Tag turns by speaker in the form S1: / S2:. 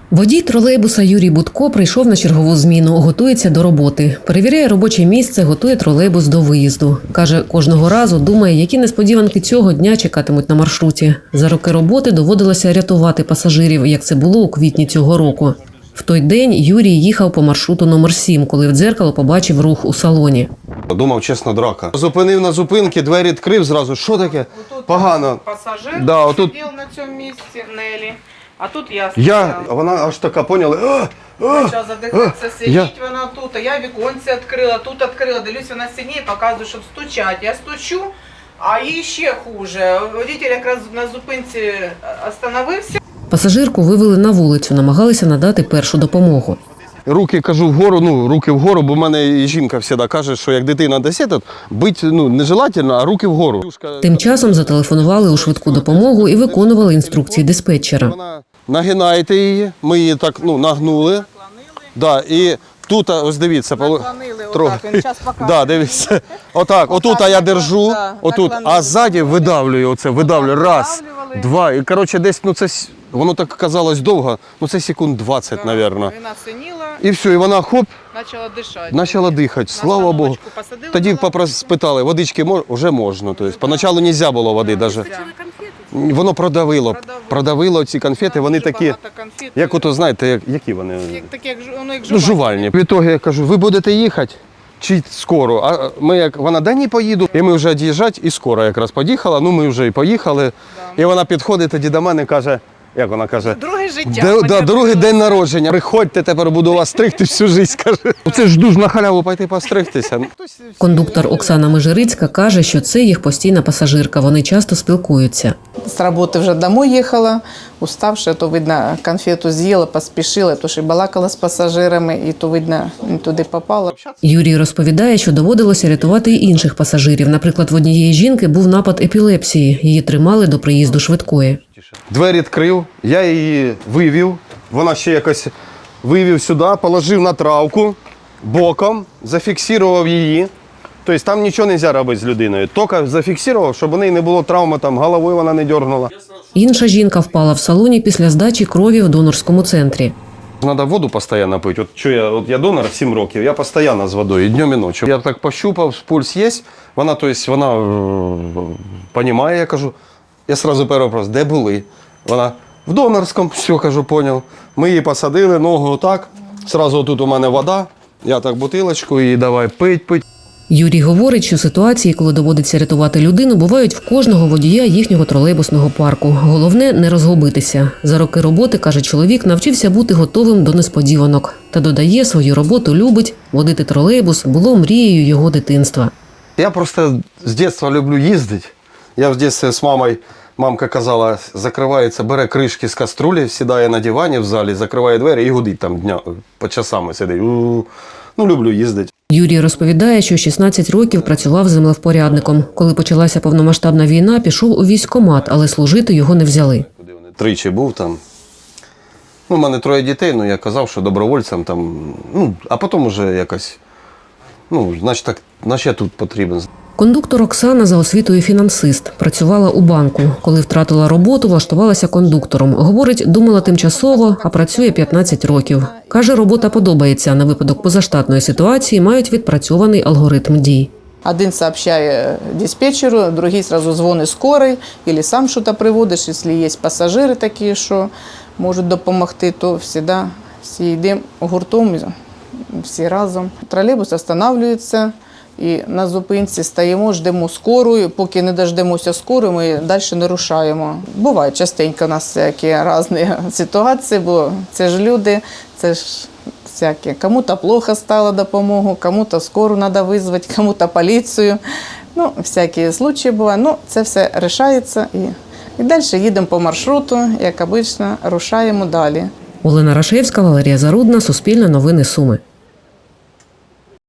S1: Водій тролейбуса Юрій Будко прийшов на чергову зміну, готується до роботи. Перевіряє робоче місце, готує тролейбус до виїзду. Каже, кожного разу думає, які несподіванки цього дня чекатимуть на маршруті. За роки роботи доводилося рятувати пасажирів, як це було у квітні цього року. В той день Юрій їхав по маршруту номер 7, коли в дзеркало побачив рух у салоні.
S2: Думав, чесно, драка. Зупинив на зупинці, двері відкрив зразу. Що таке? Погано.
S3: Пасажир
S2: отут...
S3: сидів на цьому місці, Нелі, а тут я стояла.
S2: Вона аж така, поняли?
S3: Почала задихатися, сидіть вона тут, а я віконце відкрила, тут відкрила, дивлюсь, вона сидить, показує, щоб стучать. Я стучу, а їй ще хуже. Водитель якраз на зупинці остановився.
S1: Пасажирку вивели на вулицю, намагалися надати першу допомогу.
S2: Руки, кажу, вгору, руки вгору, бо в мене і жінка завжди каже, що як дитина десь, бити нежелательно, а руки вгору.
S1: Тим часом зателефонували у швидку допомогу і виконували інструкції диспетчера.
S2: Нагинаєте її, ми її так нагнули. Да, і тут, ось дивіться,
S3: Отак, він зараз показує.
S2: дивіться. Отут я держу, а ззаді видавлюю, раз, два. І, коротше, десь, воно так казалось довго, це секунд 20, мабуть.
S3: Вона синіла.
S2: І все, і вона
S3: Почала
S2: дихати, слава Богу. Тоді спитали, водички вже можна. Тобто, поначалу не можна було води навіть. Воно продавило ці конфети, вони такі, як ото, знаєте, які вони?
S3: Як
S2: жувальні. В ітогі я кажу, ви будете їхати чи скоро? А вона, да ні, поїду. І ми вже від'їжджати, і скоро якраз поїхала, ми вже і поїхали. І вона підходить тоді до мене і каже, як вона каже?
S3: Друге життя.
S2: Другий день народження. Приходьте, тепер буду вас стригти всю життя, каже. Це ж дуже на халяву пойти постригтися.
S1: Кондуктор Оксана Межирицька каже, що це їх постійна пасажирка, вони часто спілкуються.
S4: З роботи вже домой їхала, уставши, то, видно, конфету з'їла, поспішила, то ж і балакала з пасажирами, і то, видно, не туди попала.
S1: Юрій розповідає, що доводилося рятувати й інших пасажирів. Наприклад, в однієї жінки був напад епілепсії, її тримали до приїзду швидкої.
S2: Двері відкрив, я її вивів, вона ще якось вивів сюди, положив на травку, боком, зафіксував її. Тобто там нічого не можна робити з людиною, тільки зафіксував, щоб у неї не було травми, головою вона не дергнула.
S1: Інша жінка впала в салоні після здачі крові в донорському центрі.
S2: Треба воду постійно пити. Я донор 7 років, я постійно з водою, і днем, і ночі. Я так пощупав, пульс є, вона розуміє, я кажу. Я одразу перший вопрос, де були? Вона в донорському, все, кажу, поняв. Ми її посадили, ногу отак, одразу тут у мене вода, я так бутилочку і давай пить.
S1: Юрій говорить, що ситуації, коли доводиться рятувати людину, бувають в кожного водія їхнього тролейбусного парку. Головне – не розгубитися. За роки роботи, каже чоловік, навчився бути готовим до несподіванок. Та додає, свою роботу любить, водити тролейбус було мрією його дитинства.
S2: Я просто з дитинства люблю їздити. Я в дитинстві з мамою, мамка казала, закривається, бере кришки з каструлі, сідає на дивані в залі, закриває двері і гудить там по часами сидить. Люблю їздити.
S1: Юрій розповідає, що 16 років працював землевпорядником. Коли почалася повномасштабна війна, пішов у військкомат, але служити його не взяли.
S2: Тричі був там. У мене 3 дітей, я казав, що добровольцям там, а потім вже якось, значить я тут потрібен.
S1: Кондуктор Оксана за освітою фінансист. Працювала у банку. Коли втратила роботу, влаштувалася кондуктором. Говорить, думала тимчасово, а працює 15 років. Каже, робота подобається. На випадок позаштатної ситуації мають відпрацьований алгоритм дій.
S4: Один сообщає диспетчеру, другий одразу дзвонить скорий, або сам щось приводиш, якщо є пасажири такі, що можуть допомогти, то завжди всі йдемо гуртом, всі разом. Тролейбус останавливається. І на зупинці стоїмо, ждемо скорую. Поки не дождемося скорої, ми далі не рушаємо. Буває частенько у нас всякі різні ситуації, бо це ж люди, це ж всякі. Кому-то плохо стало допомогу, кому-то скору треба визвати, кому-то поліцію. Всякі случаї бувають. Це все вирішується і далі їдемо по маршруту, як звично, рушаємо далі.
S1: Олена Рашевська, Валерія Зарудна, Суспільне новини Суми.